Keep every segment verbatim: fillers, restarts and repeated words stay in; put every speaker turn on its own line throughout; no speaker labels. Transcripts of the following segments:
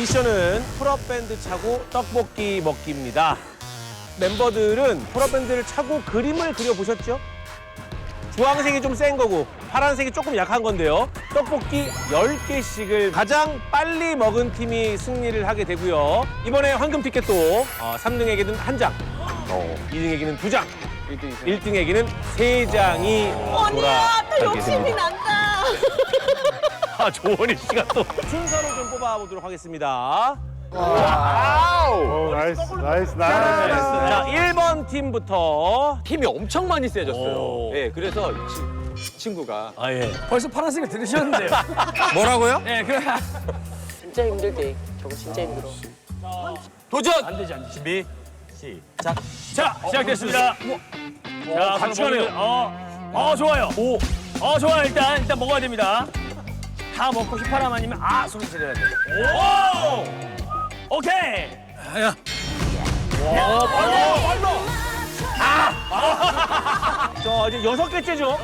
미션은 풀업밴드 차고 떡볶이 먹기입니다. 멤버들은 풀업밴드를 차고 그림을 그려보셨죠? 주황색이 좀 센 거고 파란색이 조금 약한 건데요. 떡볶이 열 개씩을 가장 빨리 먹은 팀이 승리를 하게 되고요. 이번에 황금 티켓도 어, 삼 등에게는 한 장, 어, 이 등에게는 두 장, 일 등에게는 세 장이
언니야, 또 욕심이
돌아가게
난다.
아, 조원희 씨가 또 순서를 좀 뽑아보도록 하겠습니다.
오, 나이스, 나이스, 나이스.
자, 일 번 팀부터.
힘이 엄청 많이 세졌어요.
오.
예, 그래서 이 치- 친구가
아, 예.
벌써 파란색을 들으셨는데요.
뭐라고요?
네, 그래.
진짜 힘들대. 저거 진짜 힘들어.
도전!
안 되지, 안 되지.
준비, 시작.
자, 시작됐습니다. 자,
같이
그럼
가네요.
먹으면- 어, 어, 좋아요.
오.
어, 좋아요. 일단, 일단 먹어야 됩니다. 다 먹고 휘파람 아니면 아 소리 지르야 돼. 오! 오케이. 야. 와, 빨라, 빨라.
자, 이제 여섯 개째죠?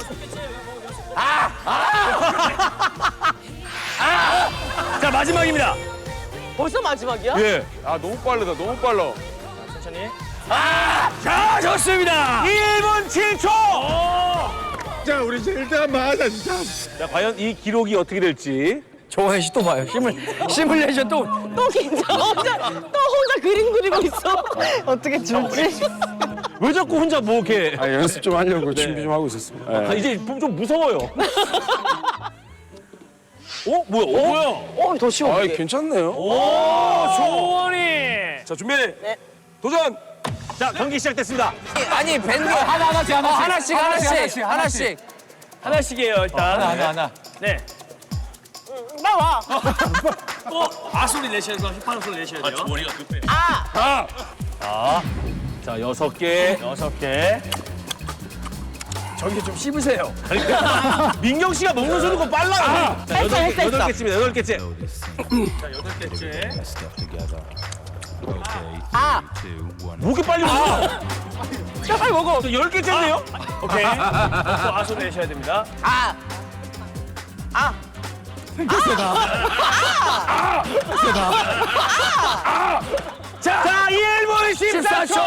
자, 마지막입니다.
벌써 마지막이야?
예.
아, 너무 빠르다, 너무 빨라.
천천히. 아! 자, 좋습니다.
일 분 칠 초!
오!
자, 우리 이제 일단 한번 하자, 진짜.
자, 과연 이 기록이 어떻게 될지.
조원 씨 또 봐요. 시뮬, 시뮬레이션 또.
또 긴장. 혼자, 또 혼자 그림 그리고 있어. 어떻게 줄지?
왜 자꾸 혼자 뭐 이렇게.
아, 연습 좀 하려고 준비 좀 하고 있었습니다.
아, 이제 좀 무서워요. 어? 뭐야? 어?
뭐야?
어, 더 쉬워.
아,
이게.
괜찮네요.
오, 조원이.
자, 준비.
네.
도전! 자, 경기 시작됐습니다.
아니 밴드 하나 하나씩 하나씩 하나씩 하나씩 하나씩
하나씩이에요, 일단. 하나, 하나, 하나. 네.
나와.
또 아소리 내셔야 돼서 휘파람 소리 내셔야 돼요. 머리가 급해.
아.
자, 여섯 개.
여섯 개. 저기 좀 씹으세요.
민경 씨가 먹는 소리가 빨라요. 자,
했어,
여덟 개,
했어,
여덟
했어.
개째입니다. 여덟 개째.
자, 여덟 개째.
아.
뭐 이렇게 빨리 먹어?
자, 빨리 먹어.
저 열 개째인데요?
오케이. 또 아소리 내셔야 됩니다.
아. 아.
자, 자, 일 분 십사 초!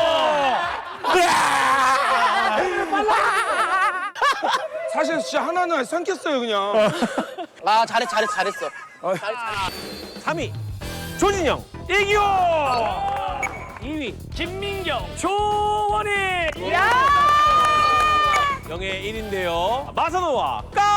사실 진짜 하나는 삼켰어요, 그냥.
아, 잘했, 잘했, 잘했어.
삼 위 조진영. 이기호! 이 위
김민경, 조원희.
야!
영예 일 위인데요. 마사노와 까